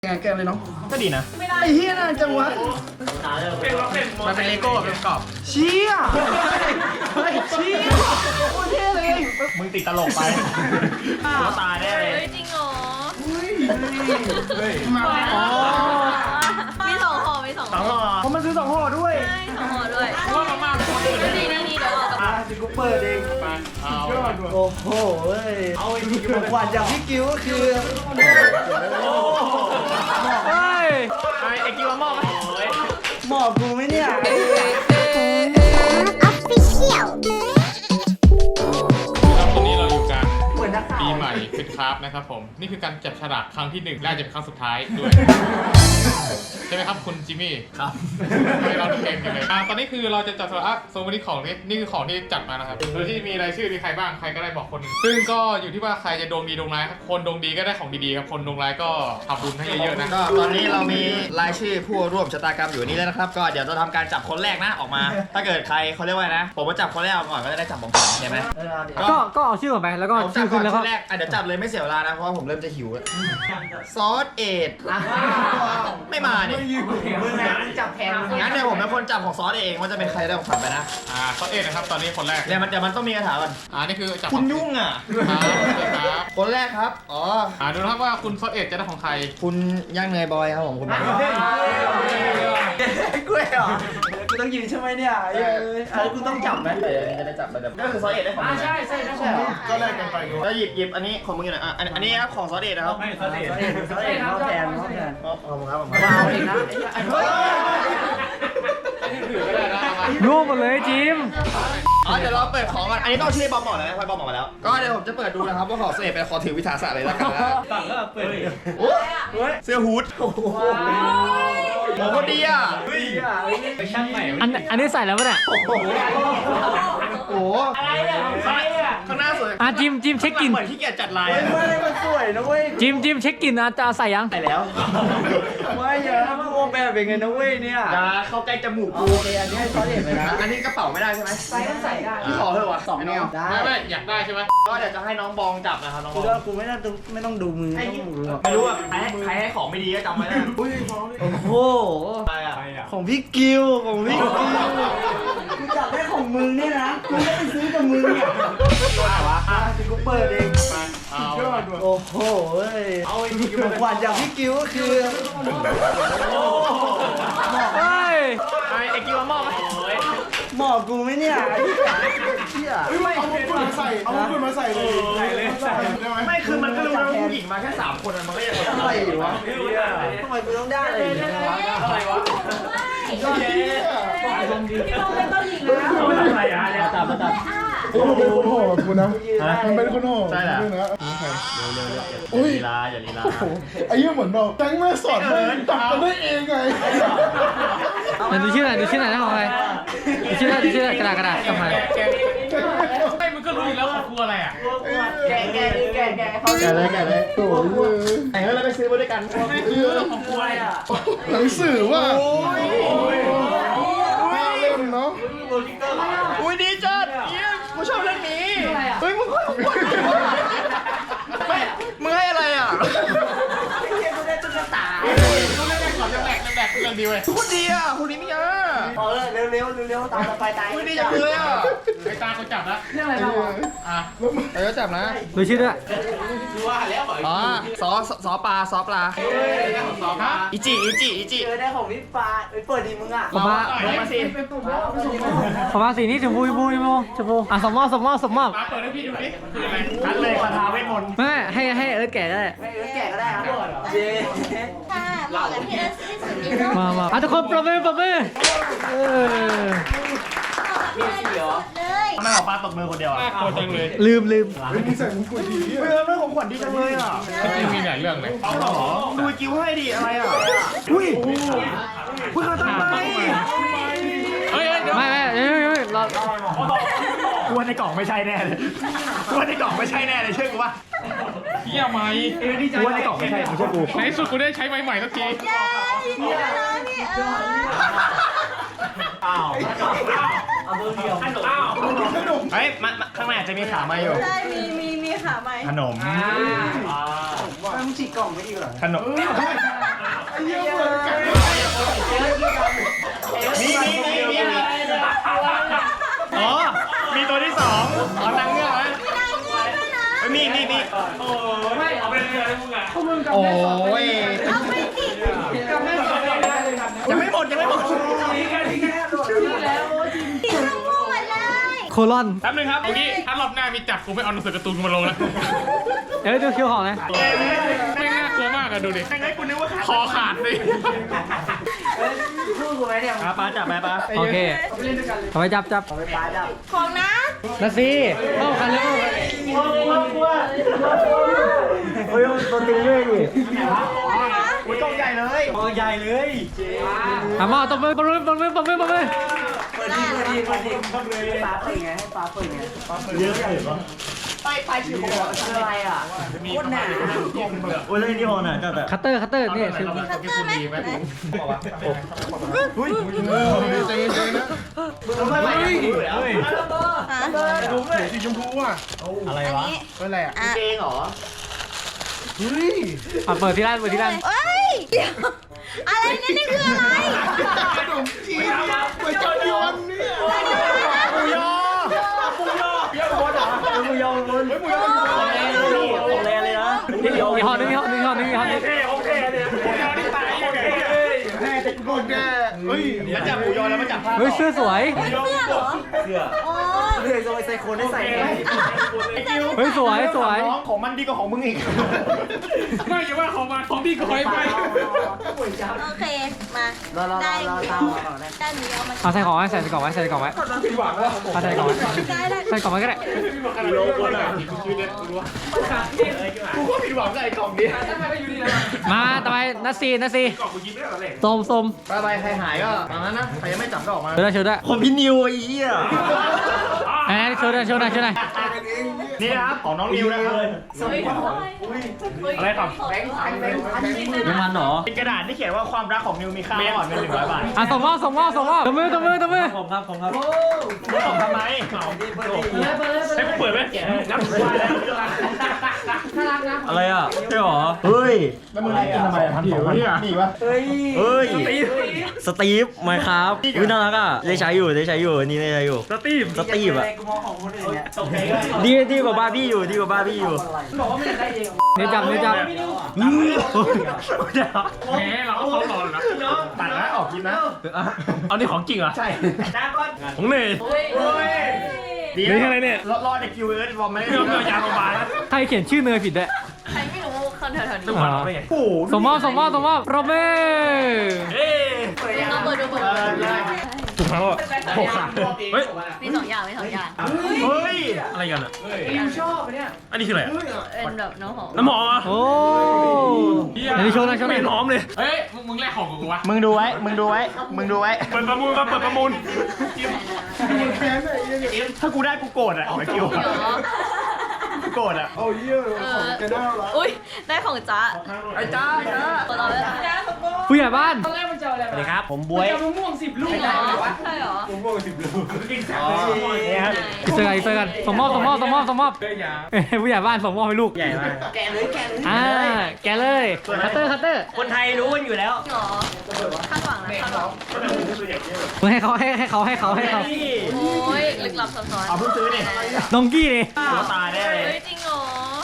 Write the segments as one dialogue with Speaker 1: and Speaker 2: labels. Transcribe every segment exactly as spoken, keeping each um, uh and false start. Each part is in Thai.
Speaker 1: งานแกเลยเนาะ
Speaker 2: ก็ดีนะ
Speaker 1: ไอ้เฮียน่าจังวะ
Speaker 2: มันเป็นเลโก้แบบกรอบ
Speaker 1: เชี่ยเฮ้ยเชี่ยโคตรเท่เลย
Speaker 2: มึงติดตลกไปหัวตาแน่เลย
Speaker 3: จริงเหรอ
Speaker 1: เฮ้ยมาอ๋อ
Speaker 3: มีสองห่อมีสอง
Speaker 2: สองห่อ
Speaker 1: เขามาซื้อสองห่อด้วย
Speaker 3: ใช่สองห่อด้วย
Speaker 2: ว่ามาม่าคนอื่น
Speaker 3: นี่นี่นี่เดี๋ยวเอากลับ
Speaker 1: อ่ะสิกูเปิดเอง
Speaker 2: เอา
Speaker 1: โอ้โหเฮ้ยเอาไอ้ของขวัญจากพี่กิ้วก็คือเฮ้ย
Speaker 2: ไอ้ไอ้กิ้วมอบ
Speaker 1: หมอบกูไหมเนี่ย
Speaker 4: Official
Speaker 5: ครับตอนนี้เราอยู่กัน
Speaker 1: เหมือนนักข่าว
Speaker 5: ปีใหม่ฟิตคราฟนะครับผมนี่คือการจับฉลากครั้งที่หนึ่งและอาจจะเป็นครั้งสุดท้ายด้วย ใช่ไหมครับคุณจิมมี่ครับไม่เราเก่งกันเลยอ่ะตอนนี้คือเราจะจับฉลากโซนวันนี้ของนี่นี่คือของที่จัดมานะครับโดยที่มีรายชื่อมีใครบ้างใครก็ได้บอกคนหนึ่งซึ่งก็อยู่ที่ว่าใครจะดวงดีดวงร้ายครับคนดวงดีก็ได้ของดีๆครับคนดวงร้ายก็ทำบุญให้เยอะๆนะ
Speaker 2: ก็ตอนนี้เรามีรายชื่อผู้ร่วมชะตากรรมอยู่นี่แล้วนะครับก็เดี๋ยวจะทำการจับคนแรกนะออกมา ถ้าเกิดใครเขาเรียกว่านะผมมาจับคนแรกก่อนก็จะได้จับของขวัญใช่ไหม
Speaker 6: ก็ก็เอาชื่อก่อนไปแล้วก็
Speaker 2: ผมจั
Speaker 6: ชื่
Speaker 2: บ
Speaker 6: อ
Speaker 2: ก่
Speaker 6: คุ
Speaker 2: อน
Speaker 6: ณแล้ว
Speaker 2: ค
Speaker 6: ก็
Speaker 2: นแรกอ่ะเดี๋ยวจับเลยไม่เสียเวลานะเพราะว่าผมเริ่มจะหิวแล้วซอสเอ็ดไม่มาเนี่ย
Speaker 1: มึงนะจับแทน
Speaker 2: งั้นเดี๋ยวผมเป็นคนจับของซอสเองว่าจะเป็นใครได้ของขวัญไปนะ
Speaker 5: อ่าข้อเอ็ดนะครับตอนนี้คนแรก
Speaker 2: เดี๋ยวมันเดี๋ยวมันต้องมีคาถาก่อน
Speaker 5: อ่านี่คือจับ
Speaker 2: คุณยุ่งอ่ะ
Speaker 5: ครับครับ
Speaker 2: คนแรกครับอ๋อ
Speaker 5: อ่าดูนะครับว่าคุณข้อเอ็ดจะได้ของใคร
Speaker 2: คุณย่างเนยบอยครับผมคุณบอย
Speaker 1: กล้วยเหรอกูต้องยืนใช่ไหมเนี่ยเอ้ยอะไรกูต้องจับไหม
Speaker 2: เดี๋ยวจะได้จับไปแบบก็คือซอสเอ็ดได้ของมึงใช่ใช่ใช่ก็แลกกันไปแล้วหยิบหยิบอันนี้ของมึงอยู่ไหนอ่ะอันอันนี้ครับของซอสเอ็ดนะครับ
Speaker 1: เขาเองเขาเองเขาแทนเขาแทน
Speaker 2: อ๋อขอบคุณครับผม
Speaker 1: ว้าวเองนะ
Speaker 5: ถือก็ได้นะเอามา
Speaker 6: ร่วมหมดเลยจิม
Speaker 2: อ๋อเดี๋ยวเราเปิดของก่อนอันนี้ต้องชื่อบอมบอกเลยนะพอยบอมบอกมาแล้วก็เดี๋ยวผมจะเปิดดูนะครับว่าของซอสเอ็ดเป็นขอถือวิทยาศาสตร์เลยแล้วกันนะ
Speaker 1: ตังก็เปิด
Speaker 2: โอ้ยเสื้อฮูดโอ้โหโหดีอ่ะ
Speaker 1: เฮ้ยไปช่างใหม่
Speaker 6: อันอันนี้ใส่แล้วปะเนี่ย
Speaker 2: โอ้โหโอ้โหอะไรอ่ะข้างหน้าสวย
Speaker 6: อ่ะจิมจิมเช็คกลิ่น
Speaker 2: เหมือนที่เกียจจัดลาย
Speaker 1: เฮ้ยไม่มันสวยนะเว้ย
Speaker 6: จิมจิมเช็คกลิ่นอ่ะจะเอาใส่ยัง
Speaker 2: ไปแล้ว
Speaker 1: ไม่เยอะมึงโอแบบเป็นไงนะเว้ยเนี่ย
Speaker 2: อย่าเข้าใกล้จมูกกู
Speaker 1: โอเคอันนี้ให้เขาเห็นเลยนะ
Speaker 2: อันนี้กระเป๋าไม่ได้ใช่ไหม
Speaker 1: ใส่ก็ใส่ได้
Speaker 2: พี่ขอเถอะวะสองแนว
Speaker 1: ได้
Speaker 5: ไม่ไม่อยากได้ใช่ไหม
Speaker 2: ก็เดี๋ยวจะให้น้องบองจับนะครับน้องบ
Speaker 1: กู
Speaker 2: อง
Speaker 1: ว่ากูไม่ต้องดูไม่ต้องดูมือไม่ต้องดูหรอก
Speaker 2: ไม่รู้อ่ะใครให้ใครให้ของไม่ดีก็จำไว้นะอุ้ย
Speaker 1: โอ้โห
Speaker 2: อะไรอ่ะ
Speaker 1: ของพี่กิวของพี่กิวกูจับได้ของมึงเนี่ยนะกูไม่ไปซื้อกับมึงเนี่ยตัวไหนวะอ่ะสิกูเปิดเอง
Speaker 5: เอา
Speaker 1: โอ้โหเฮ้ยเอาไอ้ของขวัญจากพี่กิวก็คือ
Speaker 6: เฮ้ย
Speaker 2: ไอ้ไอ้กิ้วมอบไหม
Speaker 1: หมอบกูไหมเนี่ยไอ้เหี้ย
Speaker 7: ไม่เอามงกุฎมาใส่ เอามงกุฎมาใส่เลยใส่เลยใส่ได้ไหม
Speaker 2: ไม่คือมันก็รู้แล้วผู้หญิงมาแค่สามคนมันก็ยัง
Speaker 1: อะไรวะทำไมกูต้องได้อะไรอย่างเงี้ยวะ
Speaker 2: อะไรวะ
Speaker 7: พี่น้องเป็นต้นหญิงนะ
Speaker 2: อะไรอ่ะเนี่ยจับมาจับ
Speaker 7: มันเป็นคนโหดกูนะ มันเป็นคนโหด
Speaker 2: ใช่แหละ
Speaker 7: ด้วยนะ
Speaker 2: เร็วๆอย่าลีลาอย่าลีลา
Speaker 7: โอ้โหไอ้เหี้ยเหมือนแบบแก๊งแม่สอนไม่จับกันได้เองไง
Speaker 6: ไหนดูชื่อหน่อยดูชื่อหน่อยนะของใครดูชื่อหน่อยดูชื่อหน่อยกระดาษกระดาษกลับมา
Speaker 5: ไม่มึงก็รู้อยู่แล้วของกูอะไรอ่ะ
Speaker 1: แกะแกะแกะแกะเขา
Speaker 2: แกเลยแกเลย
Speaker 7: โอ้ย
Speaker 2: แต่งแล้วไปซื้อมาด้วยกัน
Speaker 5: ของกูอะไรอ่ะ
Speaker 7: หนังสือว่าน่าเล่นเนาะ
Speaker 2: อุ้ยดีจัดเยี่ยมกูชอบเรื่องนี้เฮ้ยมึงไม่มึงให้อะไรอ่ะ
Speaker 1: กูได้ตุ๊กตา
Speaker 5: กูเล่นแรกก่อนเรื่องแรกเรื่องแรกเรื่องดีเว้ย
Speaker 2: คุณดีอ่ะคุณดีไม่เยอะ
Speaker 1: พอเลยเร็วเร็วเร็วตามไปตาย
Speaker 2: คุณดีจังเลยอ่ะ
Speaker 5: ไอ้ตาเขาจับแล้ว
Speaker 1: เรื่องอะไรบ้าง
Speaker 5: อ่ะ
Speaker 2: เออจับนะ
Speaker 6: ดูชื่อด้วย
Speaker 2: อ๋อซอซอปลาซอปลา
Speaker 5: สองครับ
Speaker 2: อิจิอิจิอิจิ
Speaker 1: เจอได้ของพี่ฟ้าไปเปิดดีมึงอ่ะ
Speaker 6: ผมมา
Speaker 2: ลงมาสิ
Speaker 6: ผมมาสีนี้ชมพูชมพูชมพูชมพูอ่ะสมมอบสมมอบสมมอบ
Speaker 5: มาเปิดให้พี่ดูดิคืออะไร
Speaker 2: ทันเลยคาถาเวทมนต์
Speaker 6: ไม่ให้ให้เอิร์ธแกะได้
Speaker 1: ไม่เออแกะก็ได้ครับเจ๊
Speaker 3: ค่ะเหมาะกับพี่เอิร์ธที่สุดนี่เห
Speaker 6: มามาอ่ะทุกคนปรบมือปรบมือเออ
Speaker 3: มาะกับพี่เอิร์ธที่สุดเลย
Speaker 2: ทำไมหมอปลาตบมือคนเดียวอ่ะ
Speaker 5: โคตรจังเลย
Speaker 6: ลืมลืม
Speaker 7: เฮ้ยมึงใส่มงกุฎดี
Speaker 2: เฮ้ยเรื่องของขวัญดีจังเลยอ่ะ
Speaker 5: จริงมีหลายเรื่องเลย
Speaker 2: เอาหรอดูกิ้วให้ดิอะไรอ่ะอุ้ยอุ้ยเขาทำไม
Speaker 5: เฮ้ยเดี๋ยว
Speaker 6: ไม่ไม่เฮ้ยเฮ้ยเรา
Speaker 2: กลัวในกล่องไม่ใช่แน่เลยกลัวในกล่องไม่ใช่แน่เลยเชื่อกูว่า
Speaker 5: เฮียไหม
Speaker 2: กลัวในกล่องไม่ใช่ไม่เชื่อกู
Speaker 5: ในที่สุดกูได้ใช้ไม้ใหม่สักที
Speaker 3: เย้ยินดีด้วยนะพี่เอิร์ธ
Speaker 2: อ้าว
Speaker 1: เอาตัวเดียว
Speaker 2: เฮ้ยมันข้างในอาจจะมีขามาอยู่
Speaker 3: ใช่มีมีมีค่ะไหม
Speaker 2: ขนม
Speaker 1: มึงฉีกกล่องไม่ดีเหรอ
Speaker 2: ขนม
Speaker 6: ลอน
Speaker 5: แป๊บนึงครับเอางี้ถ้ารอบหน้ามีจับกูไม่เอาหนังสือการ์ตูนกูมาลงแล้ว
Speaker 6: เดี๋ยวดูคิวของนะ
Speaker 5: ไม่น่ากลัวมากอะดูดิคอขาดเลย
Speaker 1: คู่กูไหมเนี่ย
Speaker 2: ปลาจับไหมปลา
Speaker 6: โอเคเอาไปจับจับ
Speaker 1: ไปปลาจับ
Speaker 3: ของนะ
Speaker 6: นาซีเข้ากันเร็ว
Speaker 1: เฮ้ยตัวตึงเลยดิ
Speaker 2: อุ้ยกล้องใหญ่เลยกล้องใหญ่เลย
Speaker 6: ทำมาตบมือตบมือตบมือตบมือตบมือ
Speaker 1: เปิดดีเปิดดีเปิดดีปลาเปิดไงให้ปลาเปิดไงปลาเปิดเยอะเลยปะไปไปชื่อของอะไรอ่ะโคตรหนา
Speaker 2: โอ้ยเรื่องนี้พอหน่อยจับแบบ
Speaker 6: คัตเตอร์คัตเตอร์นี่คือ
Speaker 3: มีคัตเตอร์ไหมไหน
Speaker 2: อุ้ย
Speaker 5: ใจเย็นๆนะ
Speaker 2: เฮ้ยเฮ้ย
Speaker 3: ฮะ
Speaker 5: ดูเลยสีชมพูอ่ะ
Speaker 2: อะไร
Speaker 3: อัน
Speaker 2: วะ
Speaker 3: นี้
Speaker 5: เป็นอะไรอ่ะ
Speaker 3: อ่ะ
Speaker 2: เกงเหรอ
Speaker 6: อ่ะเปิดที่ร้านเปิดที่ร้าน
Speaker 3: เอ้ยเดี๋ยวอะไรเนี่ยนี่คืออะไร
Speaker 5: ขนมจีนก๋วยจั๊บยวนเนี่ย
Speaker 2: ปูยอปูยอเยอะบนเหรอปูยอบนปูยอของแรงเลยนะนี่เดี๋ยว
Speaker 6: มีห้อนึงมีห้อนึงมีห้อนึงมีห้อนึง
Speaker 2: โอเคเนี่ยปูยอที่ตายแม่จะกูแน่เฮ้ยแล้วจับปูยอแล้วมาจับผ้า
Speaker 6: เฮ้ยเสื้อสวย
Speaker 3: เฮ้ยเสื้อเหรอ
Speaker 2: เสื้อ
Speaker 3: โอ้
Speaker 1: เฮ้ยโซไซโคนได้ใส่ไหม
Speaker 6: เฮ้ยสวยสวย
Speaker 2: ของมันดีกว่าของมึงอีก
Speaker 5: ไม่อย่าว่าของมันของพี่ก็คอยไป
Speaker 3: โอเคมา
Speaker 1: เราเรา
Speaker 3: ได้
Speaker 1: เรา
Speaker 3: ได้
Speaker 1: ตามก่อนนะ
Speaker 3: ได้นี้เอามา
Speaker 6: เอาใส่ของไว้ใส่กล่องไว้ใส่กล่องไว้เอาใส่กล่องไว้
Speaker 3: ได้ได้
Speaker 6: ใส่กล่องไว้ก็ได้
Speaker 2: โลคนอ่ะกูก็ผิดหวังกับไอ้กล่องนี้
Speaker 6: มาต่อไปนัสซีนัสซีส้มส้ม
Speaker 2: ไปไปใครหายก็ตามนั้นนะใครยังไม่จับก็ออกมา
Speaker 6: เชิญได้เชิญได้
Speaker 2: คนพี่นิวไอ้เหี้ย
Speaker 6: ไหนเชิญได้เชิญได้เชิญได้
Speaker 2: นี่นะครับของน้องนิวนะครับอะไรครับ
Speaker 6: น้ำมันเหรอ
Speaker 2: เป็นกระดาษที่เขียนว่าความรักของนิวมีค่ามากกว่าเงินหนึ่งร้อยบาท
Speaker 6: อ่ะส่งมอบส่งมอบส่งมอบตบมือตบมือตบมือ
Speaker 2: ผมครับผมครับผมทำไมให้กูเปิดไหมนับถือว่าแล้วอะไรอ่ะใช่หรอเฮ้ยแล้วมึงได้กินทำไมพันสองพันนี่วะเฮ้ยเฮ้ยสตีฟไหมครับอุ้ยน่ารักอ่ะได้ใช้อยู่ได้ใช้อยู่นี่ได้ใช้อยู่สตีฟสตีฟอ่ะ
Speaker 1: กูมองของคนอื่นเนี่ย
Speaker 2: ดีดีกว่าบาร์บี้อยู่ดีกว่าบาร์บี้อยู่
Speaker 6: เดี๋ยวจับเดี๋ยวจับ
Speaker 5: แหมเราก็เขาหลอนนะ
Speaker 2: ตัดนะออกกินนะ
Speaker 5: เอานี่ของจริงเหรอ
Speaker 2: ใช่
Speaker 5: ของเนย
Speaker 2: ดีนี่อะไรเนี่ยรอดในคิวเอิร์ดบอมไม่ได้เรื่องยาโรงพยาบาล
Speaker 6: ใครเขียนชื่อเนยผิดด้วย
Speaker 3: ใครไม่รู้คนแถวๆนี้
Speaker 6: อ๋อ
Speaker 2: โอ้โห
Speaker 6: ส่งมอบส่งมอบส่งมอบโรเบ้
Speaker 2: เฮ้ย
Speaker 3: เราเปิดดูเปิดดู
Speaker 5: ถูกแล้วอ่ะโอ้ขาดเฮ้ย
Speaker 3: มีสองอย่างมีสองอย่าง
Speaker 2: เฮ้ย
Speaker 5: อะไรกันอ่ะอันนี้คืออะไรอ่ะ
Speaker 3: เป็นแบบน้องหอม
Speaker 5: น้ำหอมอ่ะ
Speaker 6: โอ้อันนี้โชว์หนะโชว์ห
Speaker 5: ไม่
Speaker 6: นะ
Speaker 5: หอมเลยเฮ้ยมึงมึงแลกของกับกูวะ
Speaker 2: มึงดูไว้มึงดูไว้มึงดูไว้
Speaker 5: เปิดประมูลครับเปิดประมูล
Speaker 2: ถ้ากูได้กูโกรธอ่ะไอ้คิวกูโกรธอ่ะ
Speaker 3: เอออุ้ยได้ของจ๊ะ
Speaker 2: ไอ้จ้าจ้า
Speaker 3: เราเลย
Speaker 6: ผู้ใหญ่บ้าน
Speaker 2: สวัสดีครับผมบวย
Speaker 3: ใช่เหรอ
Speaker 2: นี่ครับ
Speaker 6: อีกเซอร์กันอีกเซอร์กันส่งมอบส่งมอบส่งมอบส่งมอบเอ้ยผู้ใหญ่บ้านส่งมอบให้ลูก
Speaker 2: ใหญ่มาก
Speaker 1: แกะเลยแกะเลย
Speaker 6: อ่าแกเลยคัตเตอร์คัตเตอร์
Speaker 2: คนไทยรู้กันอยู่แล้ว
Speaker 3: หรอคาดหวังนะคาดหวัง
Speaker 6: มึงให้เขาให้ให้เขาให้เขาให้เขา
Speaker 3: โอ้ยลึกลับซับซ้อน
Speaker 2: เอาเพิ่งซื้อนี่
Speaker 6: น้องกี้นี่
Speaker 2: หัวตายได้เลย
Speaker 3: เฮ้ยจริงเหรอ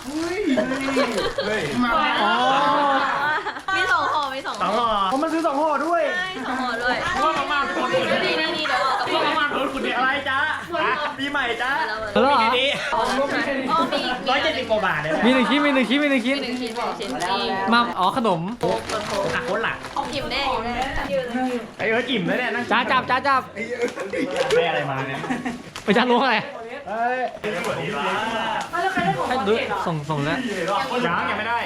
Speaker 6: อ๋อ
Speaker 3: มีสองห่อมีสอง
Speaker 2: สองห่อเพราะมันซื้อสองห่อด้วย
Speaker 3: ใช่สองห่อด้วย
Speaker 5: ว่ามาม่าเป็นคนอื่น
Speaker 3: นี่นี่นี่เดี๋ยวเอากับพี่
Speaker 5: ว่ามาม่าเป็นคนอื่น
Speaker 2: อะไรจ้าปีใหม่จ้า
Speaker 3: แล้วเลย
Speaker 6: แล้วเหรอ
Speaker 2: นี้
Speaker 3: อ๋อมีอีก
Speaker 2: ร้อยเจ็ดสิบกว่าบาทเลย
Speaker 6: มีหนึ่งชิ้นมีหนึ่งชิ้นมีหนึ่งชิ้น
Speaker 3: หนึ่งชิ้นหนึ่งชิ้นจริง
Speaker 6: มาอ๋อขนม
Speaker 2: หักคนหลัก
Speaker 3: อิ่มแน่อิ่มแน่
Speaker 2: ไอ้เอิร์ธอิ่มแล้วเนี่ยนั่ง
Speaker 6: จ้าจับจ้าจับ
Speaker 2: ได้อะไรมาเนี่ย
Speaker 6: ไปจ้าล้วงอะไร
Speaker 2: เฮ้ย
Speaker 6: ให้ดูส่งส่งแล้ว
Speaker 2: ยังยังไม่ได้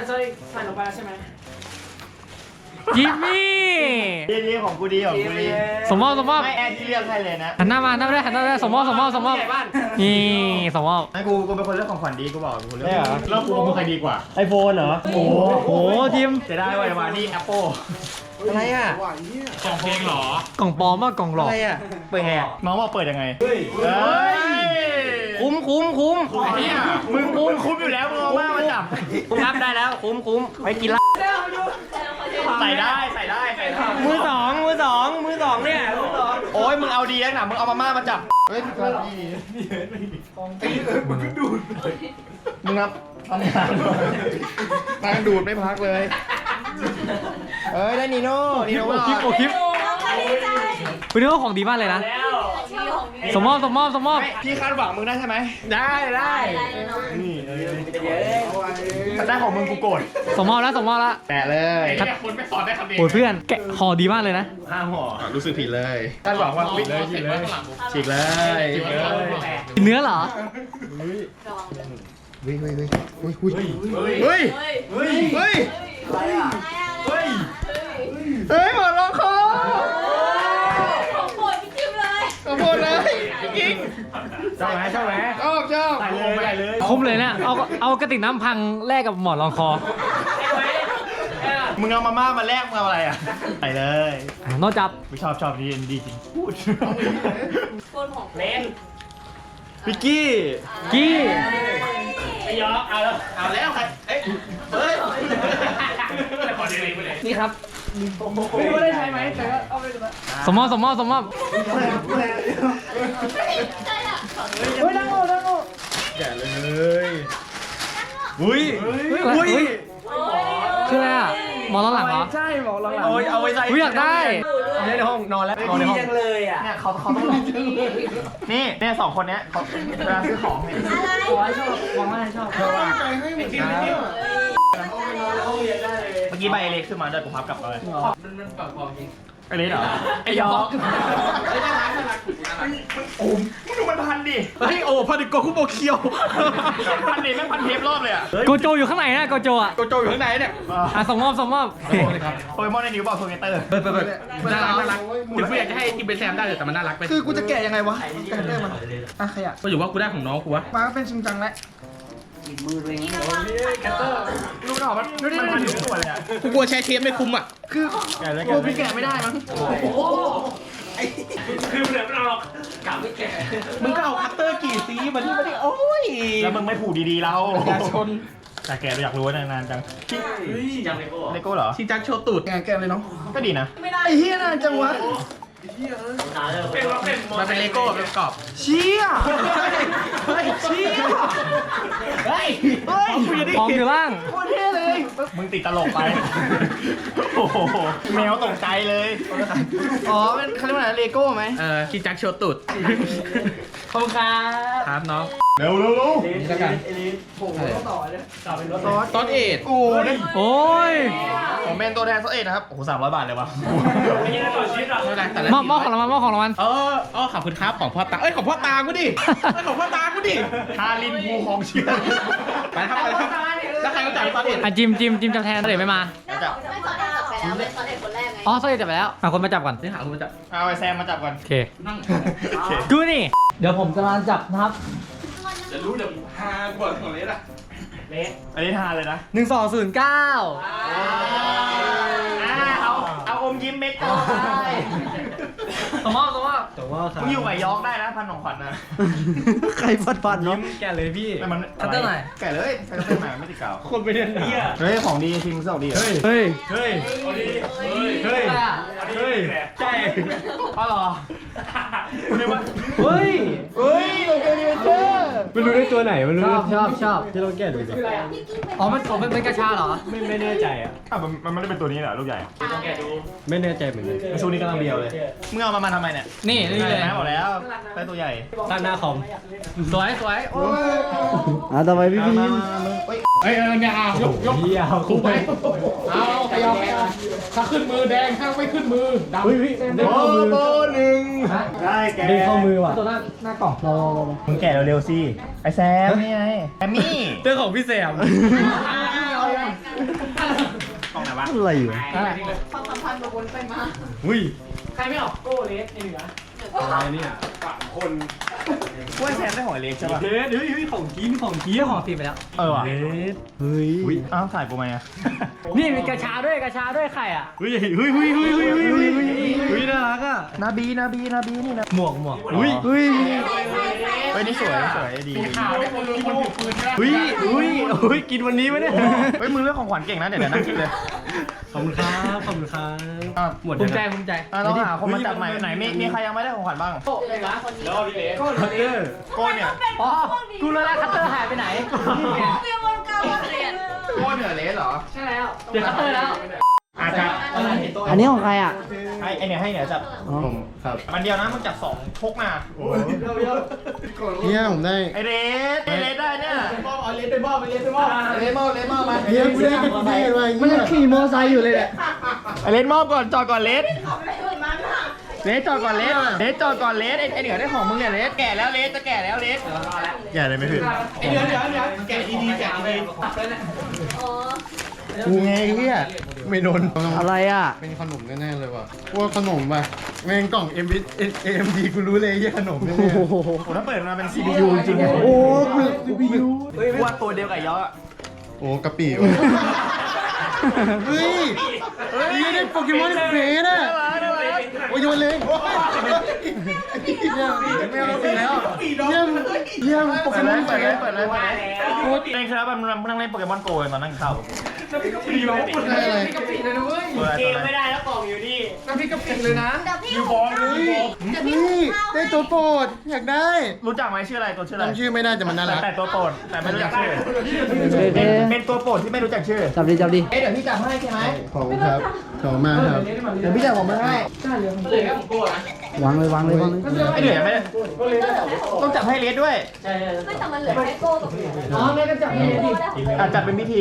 Speaker 6: จิมมี่
Speaker 2: ดีดีของกูดีของกูดี
Speaker 6: ส่งมอบส่งมอบ
Speaker 2: ไม่แอร์ที่เลือกให้เลยนะ
Speaker 6: หันหน้ามาหันหน้ามาได้หันหน้ามาได้ส่งมอบส่งมอบส่งมอบนี่ส่งมอบ
Speaker 2: ให้กูกูเป็นคนเลือกของขวัญดีกูบอกกูเลือกแล้วกูมึงใครดีกว่า
Speaker 1: ไอโฟนเหรอ
Speaker 2: โอ้โห
Speaker 6: โอ้ทีม
Speaker 2: จะได้ไว้มานี่ Apple
Speaker 1: อะไรอ่ะ
Speaker 5: กล่องเพลงเหรอก
Speaker 6: ล่องปลอมว่ากล่องหลอก
Speaker 1: อะไรอ่ะ
Speaker 2: เปิดไงอ่ะน้องบอกเปิดยังไงเฮ้ยคุ้มคุ้มคุ้ม
Speaker 5: ไอ้เหี้ย
Speaker 2: มึงคุ้มคุ้มอยู่แล้วมึงเอามามาจับคุ้มครับได้แล้วคุ้มคุ้มไปกินละใส่ได้ใส่ได้ใส่ได้มือสองมือสองมือสองเนี่ยมือสองโอ้ยมึงเอาดีแล้วนะมึงเอามาม่ามาจับเฮ้ยมึงครับทำงานตาดูดไม่พักเลยเอ้ยได้นีโน่นีโน่
Speaker 6: โอคลิปโอคลิป
Speaker 3: น้องก็ดีใจ
Speaker 6: คุณนึกว่าของดีมากเลยนะ
Speaker 3: มีของ
Speaker 6: สมมอบสมมอบสมมอบ
Speaker 2: พี่คาดหวังมึงได้ใช่ไหม
Speaker 6: ได้ได้
Speaker 2: นี่ถ้าได้ของมึงกูโกรธ
Speaker 6: สมมอบแล้วสมมอบแล้ว
Speaker 2: แตะเลย
Speaker 5: ไอ้เนี่ยคุณไม่สอนได้คำเดียว
Speaker 6: โอ้ยเพื่อนแกะคอดีมากเลยนะ
Speaker 2: ห้าห่อรู้สึกผิดเลยคาดหวังว่าผิดเลยผิดเลยฉีกเลยฉีกเลย
Speaker 6: เนื้อเหรอ
Speaker 2: เฮ้ยเฮ้ยเฮ้ยเฮ้ยเฮ้ยเฮ้ยเฮ้ยเฮ้ยเฮ้ยหมดลงคอ
Speaker 3: ของโปรดพี่คิมเลย
Speaker 2: ขอบคุณเลยจริง
Speaker 1: ชอบไหมชอบไหม
Speaker 2: ชอบชอบ
Speaker 1: ใส่เลยใส่เลย
Speaker 6: คุ้มเลยเนี่ยเอาเอากระติกน้ำพังแลกกับหมอนรองคอ
Speaker 2: มึงเอามาม่ามาแลกมึงเอาอะไรอ่ะใส่เลย
Speaker 6: อ่ะโนจับ
Speaker 2: ไม่ชอบชอบดีดีจริงพูด
Speaker 3: โปรดของ
Speaker 1: เล่น
Speaker 2: พิกกี้
Speaker 6: กี้
Speaker 1: ไม่ยอมเอาแล้ว
Speaker 2: เอาแล้วใครเอ้ยเฮ้ย
Speaker 6: นี่ครับ
Speaker 1: ไม่รู้ว่าได้ใช้ไหมแต่ก็เอาไปเลย
Speaker 6: สมมอบสมมอบสมมอบ
Speaker 1: เฮ้ยนั่งโง่นั่งโง่
Speaker 2: แกะเลยอุ้ย
Speaker 6: เฮ้ยอะไรเฮ้ยคืออะไรอ่ะหมอนรองหลังเหรอ
Speaker 1: ใช่หมอหลัง
Speaker 2: โอ้ยเอาไว้ใส่
Speaker 6: อุ๊ยอยากได้
Speaker 2: เอาไว้ในห้องนอนแล้วนอนในห้อง
Speaker 1: จังเลยอ่ะ
Speaker 2: เนี่ยเขาเขาต้องลองนี่เนี่ยสองคนเนี้ยเขาเวลาซื้อของเนี่ย
Speaker 1: ขอให้ชอบมองว่าชอบชอบ
Speaker 2: เมื่อกี้ใบเล็กขึ้นมาด้วยกูพับกลับเลยมันมันปากบอกจริงไอเล็กเหรอไอยอกไอ้น่ารักน่ารักโอ้มมึงดูมันพันดิเฮ้ยโอ้พันดิโกคุโบเคียวพันดิแม่งพันเทปรอบเลยอ่ะ
Speaker 6: โกโจอยู่ข้างไหนนะโกโจอ่ะ
Speaker 2: โกโจอยู่ข้างในเนี่ย
Speaker 6: อ่ะสมมอบสมมอบ
Speaker 2: โปเกมอนในนิ้วบอกโทเกเตอร์
Speaker 5: เปิดเปิดเปิดน่ารักน่ารักถึงกูอยากจะให้ทีมเป็นแซมได้แต่มันน่ารักไป
Speaker 2: คือกูจะแกะยังไงวะแกะได้มันอ่ะขยะ
Speaker 5: ก็อยู่ว่ากูได้ของน้องกูวะ
Speaker 2: มาเป็นชิงจังแล้ว
Speaker 1: มือตัวเอง
Speaker 2: ดูหน่อมันดูดิมันพันอยู่ตัวเลยอ่ะ
Speaker 5: กูกลัวใช้เทปไม่คุ้มอ่ะ
Speaker 2: คือแกะเลยกูพี่แกะไม่ได้มั้ง
Speaker 1: คือเหลือมันเอากลับไม่แก่
Speaker 2: มึงก็เอาคัตเตอร์กี่ซีมาที่มาดิโอ้ยแล้วมึงไม่ผูกดีๆเราอยากชนแต่แกอยากรู้ว่านานๆจัง
Speaker 1: จังเลยโก้
Speaker 2: เลโก้เหรอ
Speaker 5: ชิงจังโชว์ตูด
Speaker 2: แกะแกะเลยเนาะก็ดีนะ
Speaker 3: ไม่ได้
Speaker 2: ไอ้เฮียน่าจังวะ
Speaker 1: เป็นว่าเป็น
Speaker 5: มันเป็นเลโก้แบบกรอบ
Speaker 2: เชี่ยเฮ้ยเชี่ยเฮ้ยเฮ้ย
Speaker 6: ของอยู่ล่าง
Speaker 2: โคตรเท่เลยมึงติดตลกไปโอ้โหแมวตกใจเลยอ๋อเป็นเขาเรียกว่าอะไรเลโก้ไหม
Speaker 5: เออชิงจังโชว์ตูด
Speaker 6: ขอบคุณครับ
Speaker 5: ครับน้อง
Speaker 2: เร็วเร็วเร็ว
Speaker 5: นี่แล้วกัน
Speaker 1: เอลิสผมต้องต่อเลยต่อเป็นรถ
Speaker 2: ซอส
Speaker 5: ตอนเอ็ด
Speaker 2: โอ้ย
Speaker 6: โอ้ย
Speaker 2: ผมเป็นตัวแทนซอสเอ็ดนะครับโอ้โหสามร้อยบาทเลยวะ
Speaker 1: ไม่ใช่ต่อชีวิตหรอ
Speaker 5: ไม่เป็นไรแต่ละ
Speaker 6: มอบมอบของรางวัลมอบของรางวัล
Speaker 5: เอออ๋อขอบคุณครับของพ่อตาเอ้ยของพ่อตากูดิเอ้ยของพ่อตากูดิ
Speaker 2: ฮารินภูของเชื่อ
Speaker 5: ไปครับไปครับแล้วใครก็จ่ายตอนเอ็ด
Speaker 6: อ่ะจิมจิมจิมจับแทนเดี๋ยวไม่มา
Speaker 3: ไม่สอนไม่สอนได้จับไปแล้วเป็นสอนเด็กคนแรกไง
Speaker 6: อ๋อโซเอจับไปแล้วอ่ะคนมาจับก่อน
Speaker 5: นี่หาคุณมาจับ
Speaker 2: เอาไอแซมมาจับก่อน
Speaker 6: โอเค
Speaker 5: นั่ง
Speaker 2: โอเค
Speaker 6: กูนี่ เดี๋ยวผมจะมาจับนะครับ
Speaker 5: จะรู้เดี๋ยวหาก่อนของเล็กอะ
Speaker 1: เละ
Speaker 2: อันนี้ทานเลยนะ
Speaker 6: หนึ่งสองศูนย์เก้า
Speaker 2: อ่าเอาเอาอมยิ้มเม็ดก็ได้
Speaker 6: สมมอบสมมอบ
Speaker 1: แต่ว่า
Speaker 2: มึงอยู่กับยอกได้นะพันของขวัญนะ
Speaker 1: ใครฟัดฟันเนาะ
Speaker 6: แกเลยพี่
Speaker 2: แต่มัน
Speaker 6: คัตเตอร์หน่อย
Speaker 2: แกะเลยใครก็เป็นหมาไม่ติดกาว
Speaker 1: คนไปเรียนเนี่ย
Speaker 2: เฮ้ยของดีทีมเสื้อดีเหรอ
Speaker 6: เฮ้ย
Speaker 1: เฮ้ย
Speaker 2: เฮ้ย
Speaker 6: เฮ้ย
Speaker 2: เฮ้ยใช่อ๋อเหรอคุณนึกว่า
Speaker 1: เฮ้ย
Speaker 2: เฮ้ยโอเคดีเจอร์
Speaker 1: ไม่รู้ได้ตัวไหนไม่รู้
Speaker 6: ชอบชอบชอบ
Speaker 1: ที่เราแก้ดูสิ
Speaker 6: อ๋อมันอ๋อมันเป็นกระชาเหรอ
Speaker 1: ไม่ไม่แน่ใจอ่ะ
Speaker 2: อ่ะมันมันไม่ได้เป็นตัวนี้เหรอลูกใหญ่
Speaker 1: ไม่แน่ใจเหมือนกัน
Speaker 2: มันชูนี้กำลังเดียวเลยมึงเอามามาทำไมเนี่ย
Speaker 6: นี่นี่เลย
Speaker 2: แม่บอกแล้วได้ตัวใหญ่
Speaker 1: ตั้งหน้าคอม
Speaker 6: สวยสวยโอ้ย
Speaker 1: อ่ะต่อไปพี่พี่
Speaker 2: มามามึงเฮ้ย
Speaker 5: เอ้ยเออเนี่ยเอายกยก
Speaker 1: เฮียเอา
Speaker 5: ถูกไหมเอาขยับถ้าขึ้นมือแดงถ้าไม่ขึ้นมือดำ
Speaker 1: เฮ้ยพี่ได้
Speaker 2: โอ้
Speaker 1: ข้อมือ
Speaker 2: โบหนึ่งได้แก
Speaker 1: ได้ข้อมือว่ะ
Speaker 6: ตัวหน้าหน้ากล่อง
Speaker 1: รอ
Speaker 2: มึงแกะเร็วๆสิไอแซมนี่ไงแอมมี่
Speaker 6: เรื่องของพี่แซม
Speaker 2: กล่องไหนวะ
Speaker 1: อะไรอยู่
Speaker 3: ความสัมพันธ์กับวนไปมา
Speaker 1: อุ้ย
Speaker 6: ใครไม่ออกโก้เลสในเหนือ
Speaker 1: อะไรเนี่ย
Speaker 2: กล้วยแซมได้หอยเล็กใช่ป่ะ
Speaker 1: เฮ้ยเฮ้ยเฮ้ยของกินของกิน
Speaker 6: เรื่องของทีมไปแล้ว
Speaker 2: เออว่ะ
Speaker 1: เฮ้ยเฮ้ย
Speaker 2: อ้าวถ่ายกูไหมอ่ะ
Speaker 6: นี่มีกระชาด้วยกระชาด้วยไข่อ่ะ
Speaker 1: เฮ้ยเฮ้ยเฮ้ยเฮ้ยเฮ้ยเฮ้ยเฮ้ยเฮ้ยน่ารักอ่ะ
Speaker 2: นาบีนาบีนาบีนี่นะ
Speaker 1: หมวกหมวกเฮ้ยเฮ้ย
Speaker 2: เฮ้ยนี่สวยสวยดี
Speaker 5: ข่าวได้คนรู้คนถือปืนใช่ไหม
Speaker 1: เฮ้ยเฮ้ยเฮ้ยกินวันนี้ไหมเนี่ย
Speaker 2: เฮ้ยมึงเรื่องของขวัญเก่งนะเดี๋ยวเดี๋ยวนั่งคิดเลย
Speaker 1: ขอบคุณครับขอบคุณครับ
Speaker 2: อ่ะ
Speaker 1: หมด
Speaker 6: ภูมิใจภูมิใจ
Speaker 2: อ่ะเราหาคนมาจับใหม่ไหนมีมีใครยังไม่ได้ของขวัญบ้าง
Speaker 3: เลยนะคนนี้
Speaker 1: ก็คัตเตอร์
Speaker 2: โก้เนี่ย
Speaker 6: อ๋อกูรู้แล้วคัตเตอร์หายไปไหน
Speaker 3: เรียนวนกลางเรียน
Speaker 2: โก้เหนือเลสเหรอ
Speaker 6: ใช่แล้วเดี๋ยวคัตเตอร์แล้ว
Speaker 2: อาจจะ
Speaker 1: อันนี้ของใครอ่ะ
Speaker 2: อไอ้ไอ้เนี่ยให้เนี่ยจับ
Speaker 4: ผมครับ
Speaker 2: มันเดียวนะมึงจับสองพกมา
Speaker 4: เนี่ยผมได้
Speaker 2: ไอเรสไอเรสได้เนี่ย
Speaker 1: เลนไปบ้าไปเลนไปบ้า
Speaker 2: ไอเรสมอบเลสมอบมา
Speaker 4: เนี่ยกูได้เป็นเท่เลย
Speaker 6: มันยังขี่มอไซค์อยู่เลยเนี่ย
Speaker 2: ไอเรสมอบก่อนจอดก่อนเลส
Speaker 3: ขำอะไรเหมือนมันอ่ะ
Speaker 2: เลสจอดก่อนเลสเลสจอดก่อนเลสไอไอเหนือได้ของมึงเนี่ยเลสแก่แล้วเลสจะแก่แล้วเลส
Speaker 4: แก่เลยไม่ถึง
Speaker 1: เดี๋ยวเดี๋ยวเดี๋ยวแกะดีๆแกะดี
Speaker 3: อ๋อ
Speaker 4: กูไงเฮียไม่โดน
Speaker 6: อะไรอ่ะ
Speaker 4: เป็นขนมแน่ๆเลยว่ะว่าขนมป่ะแม่งกล่อง เอ็ม เอ็ม ดี กูรู้เลยเฮียขนมแน่
Speaker 6: โอ้โห
Speaker 2: ผมถ้าเปิดมาเป็น ซี พี ยู จริง
Speaker 4: ๆโอ้กูซีพียู
Speaker 2: ๆว่าตัวเดียวกับยออะ
Speaker 4: โอ้กะปิว่ะเฮ้ยนี่ได้โปเกมอนเฟสอ่ะโอ้ยโยนเลยไม่เอาไปแล้วเยี่ยมเยี่ยมโป
Speaker 2: เปิ
Speaker 4: เก
Speaker 2: ด
Speaker 4: ม
Speaker 2: เล
Speaker 4: อน
Speaker 2: ย
Speaker 4: เฟ
Speaker 2: เปิดเลย
Speaker 4: ส
Speaker 2: เปิดเลยเปิดเลยเล่นครับมันมันนั่งเล่นโปเกมอนโกตอนนั่งเข้า
Speaker 4: ได้เลย
Speaker 2: เกมไม่ได้แล้วกล่องอยู่นี่
Speaker 3: เดี๋ยวพี่อยู่บอล
Speaker 4: เฮ้ยนี่ได้ตัวโปรดอยากได้
Speaker 2: รู้จักไหมชื่ออะไรตัวชื่ออะไร
Speaker 4: จำชื่อไม่ได้แต่มันน่ารัก
Speaker 2: แต่ตัวโปรดแต่ไม่รู้จักชื่อ
Speaker 6: โอเค
Speaker 2: เป็นเป็นตัวโปรดที่ไม่รู้จักชื่อ
Speaker 6: จับดิจับดิ
Speaker 2: เอ๊ะเดี๋ยวพี่จับให้ใช่ไหม
Speaker 4: ขอบคุณครับขอบคุณมากครับ
Speaker 2: เดี๋ยวพี่จับผมมาให้
Speaker 6: วางเลยวางเลยวางเลย
Speaker 2: ไอ้เหนือไม่ได้ต้องจับให้เลสด้วย
Speaker 3: ไม่แต่มันเหลือแค่โก้กับพี่
Speaker 2: อ๋อแม่ก็จับให้เลสดิอ่ะจับเป็นพิธี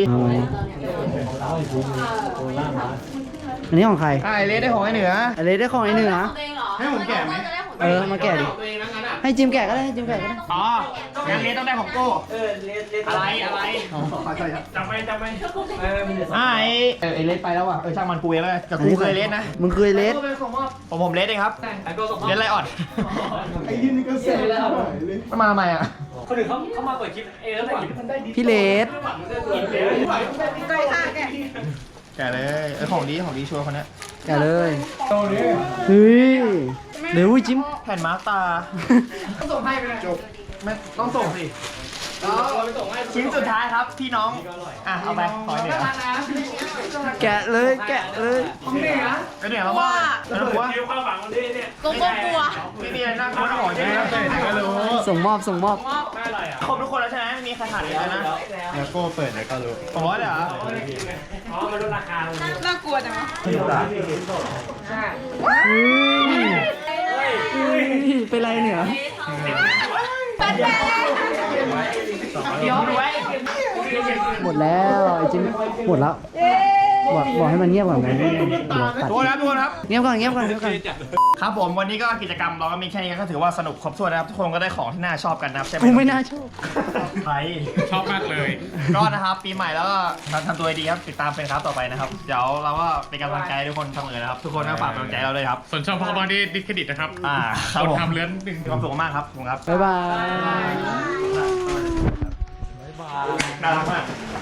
Speaker 6: อันนี้ของใคร
Speaker 2: อ่ะไอเลสได้ของไอ้เหนือ
Speaker 6: อะไรได้ของไอ้หนึ่งนะ
Speaker 3: ของตัวเองเหรอ
Speaker 4: ให้ผมแกะไหม
Speaker 6: เออ มาแกะดิ ให้จิมแกะก็ได้ให้จิมแกะก็ได้
Speaker 2: อ๋องั้นเลสต้องได้ของโก้อะไรอะไรจับไปจับไปอ่ะไอเออไอเลสไปแล้วอ่ะเออช่างมันกูเองเลยกับกูเคยเลสนะ
Speaker 6: มึงเคยเลส
Speaker 2: ผมผมเลสเองครับเลสไรออด
Speaker 4: ไอ้ยี่นี่ก็เสร็จแล้ว
Speaker 2: มันมาทำไมอ่ะ
Speaker 7: คนอื่นเขาเขามาเปิดคลิปเองแล้วเปิดคลิปมันได้ดี
Speaker 6: พี่เลส
Speaker 3: ใกล้ค่ะแก
Speaker 2: แกะเลยเออของดีของดีชัวร์คนเนี้ย
Speaker 6: แกะเลยเฮ้ยเดี๋ยวจิม
Speaker 2: แผ่นมาร์กตาต้องส่งให้ไปเลยจบไม่ต้องส่งสิชิ้นสุดท้ายครับพี่น้องอ่ะเอาไปขอเหนือ
Speaker 6: แกะเลยแกะเลย
Speaker 2: ไอเหนือมาว่าแล้วหัว
Speaker 7: คิวความหวังคนนี้เนี่ย
Speaker 3: โกโก้กลัว
Speaker 2: ไม่มีอะไรน่ากลัวนะหมอใช่ไหมครับก็รู้
Speaker 6: ส่งมอบส่งมอบ
Speaker 7: ไม่อะไรอ่ะ
Speaker 2: ครบทุกคนแล้วใช่ไหมไม่มีใครขาดเลยนะ
Speaker 4: แล้วก็เปิดแล้วก็รู้
Speaker 2: สองร้อยเลยเหรอ
Speaker 7: อ๋อมันลดราคาลง
Speaker 3: น่ากลัวจังวะ
Speaker 6: เฮ้ยเฮ้ยเป็นไรเนี่ย
Speaker 3: แป๊ดแป๊ด
Speaker 2: เดี๋ยวดูไว้
Speaker 6: หมดแล้วไอ้จิมหมดแล้วบอกบอกให้มันเงียบก่อนไหมตัด
Speaker 2: ทุกคนครับทุกคนครับ
Speaker 6: เงียบก่อนเงียบก่อนเงียบก่อน
Speaker 2: ครับผมวันนี้ก็กิจกรรมเราก็มีแค่นี้ก็ถือว่าสนุกครบถ้วนนะครับทุกคนก็ได้ของที่น่าชอบกันนะครับใช่ไหม
Speaker 6: กูไม่น่าชอบ
Speaker 2: ใคร
Speaker 5: ชอบมากเลย
Speaker 2: ก็นะครับปีใหม่แล้วก็ทำทำตัวดีครับติดตามเป็นครับต่อไปนะครับเดี๋ยวเราก็เป็นกำลังใจให้ทุกคนเสมอนะครับทุกคนก็ฝากกำลังใจเราด้วยครับ
Speaker 5: ส่วนช่องพ่อบอดี้ดิสเครดิตนะครับ
Speaker 2: อ่าค
Speaker 5: ครับ น
Speaker 2: ผม
Speaker 5: ทำเลื้อนหนึ่ง
Speaker 2: มีความสุขมากครับขอบคุณครับ
Speaker 6: บ๊ายบาย
Speaker 2: น่ารักมาก